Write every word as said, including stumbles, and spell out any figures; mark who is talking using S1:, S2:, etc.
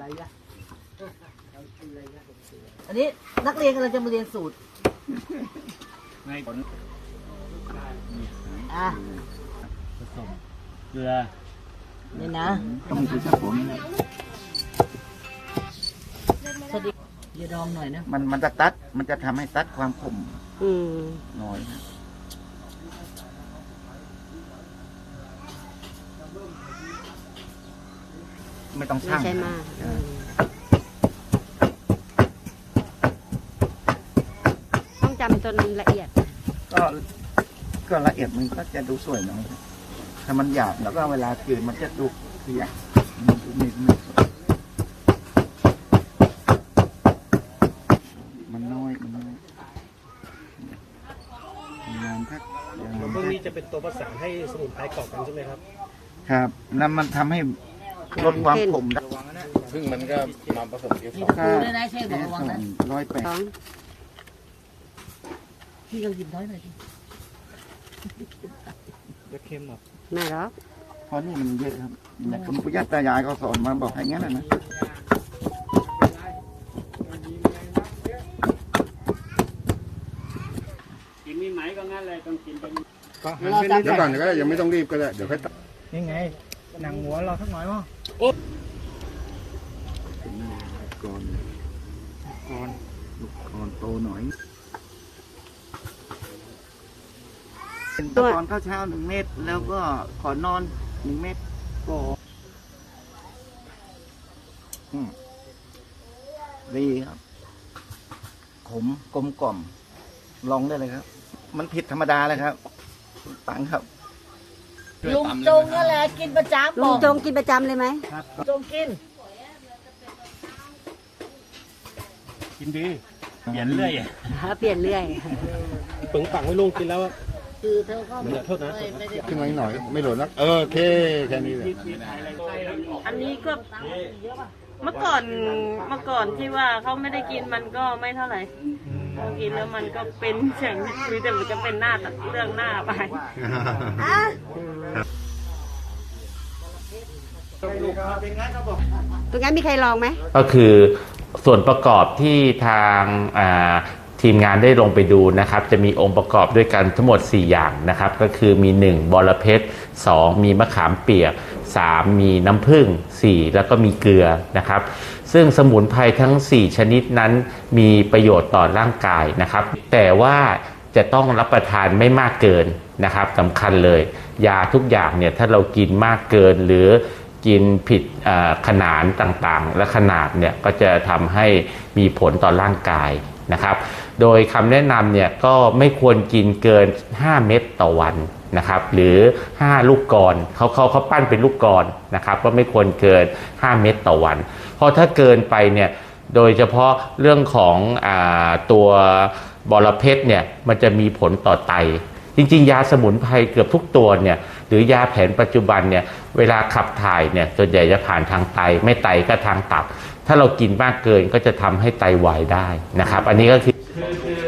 S1: อะไรยะอันนี้นักเรียนกำลังจะมาเรียนสูตรไงผลอ่ะผสมเกลือนี่นะต้องมีสักผมสวัสดีอย่าดองหน่อยนะมันมันจะตัดมันจะทำให้ตัดความขมน้อยนะไม่ต้องช่างไม่ใช่มากต้องจำจนละเอียดก็ก็ละเอียดมันก็จะดูสวยหน่อยถ้ามันหยาบแล้วก็เวลาจืดมันจะดูเสียมันดูไม่ไม่มันน้อยมันน้อยงานทักพวกนี้จะเป็นตัวประสานให้สมุนไพรเกาะกันใช่ไหมครับครับนั่นมันทำให้ลดความขมได้ซึ่งมันก็มาผสมเอฟสองค่าเอฟสองร้อยแปดพี่เราหยิบน้อยหน่อยดิจะเค็มหรอไม่หรอกเพราะนี่มันเยอะครับแต่คุณปู่ย่าตายายเขาสอนมาบอกให้งั้นนะกินมีไหมก็งั้นเลยต้องกินไปก็หันไปนิดเดี๋ยวก่อนก็ได้ยังไม่ต้องรีบก็ได้เดี๋ยวค่อยตัดนี่ไงหนังหัวเราสักหน่อยมั้งก่อนก่อนลูกก่อนโตหน่อยเป็นตะกอนข้าวเช้าหนึ่งเม็ดแล้วก็ขอนอนหนึ่งเม็ดก็ดีครับขมกลมกล่อมลองได้เลยครับมันผิดธรรมดาเลยครับตังครับลุงจงนั่นแหละกินประจำลุงจงกินประจำเลยไหมครับจงกินกินดีเปลี่ยนเรื่อยเปลี่ยนเรื่อยปึงปังไม่ลุงกินแล้วคือเธอก็ไม่โทษนะขึ้นมาหน่อยไม่หล่นนะเออโอเคแค่นี้เลย
S2: อันนี้ก็เมื่อก่อนเมื่อก่อนที่ว่าเขาไม่ได้กินมันก็ไม่เท่าไหร่พอกินแล้วมันก็เป็นอย่างนี้แต่มันจะเป็นหน้าเรื่องหน้าไปตรงนั้นมีใครลองไหม
S3: ก็คือส่วนประกอบที่ทางทีมงานได้ลงไปดูนะครับจะมีองค์ประกอบด้วยกันทั้งหมดสี่อย่างนะครับก็คือมีหนึ่งบอระเพ็ดสองมีมะขามเปียกสามมีน้ำผึ้งสี่แล้วก็มีเกลือนะครับซึ่งสมุนไพรทั้งสี่ชนิดนั้นมีประโยชน์ต่อร่างกายนะครับแต่ว่าจะต้องรับประทานไม่มากเกินนะครับสำคัญเลยยาทุกอย่างเนี่ยถ้าเรากินมากเกินหรือกินผิดขนาดต่างๆและขนาดเนี่ยก็จะทำให้มีผลต่อร่างกายนะครับโดยคำแนะนำเนี่ยก็ไม่ควรกินเกินห้าเม็ดต่อวันนะครับหรือห้าลูกกลอนเขาเขาเขาปั้นเป็นลูกกลอนนะครับก็ไม่ควรเกินห้าเม็ดต่อวันเพราะถ้าเกินไปเนี่ยโดยเฉพาะเรื่องของอ่าตัวบอระเพ็ดเนี่ยมันจะมีผลต่อไตจริงๆยาสมุนไพรเกือบทุกตัวเนี่ยหรือยาแผนปัจจุบันเนี่ยเวลาขับถ่ายเนี่ยส่วนใหญ่จะผ่านทางไตไม่ไตก็ทางตับถ้าเรากินมากเกินก็จะทำให้ไตวายได้นะครับอันนี้ก็คือ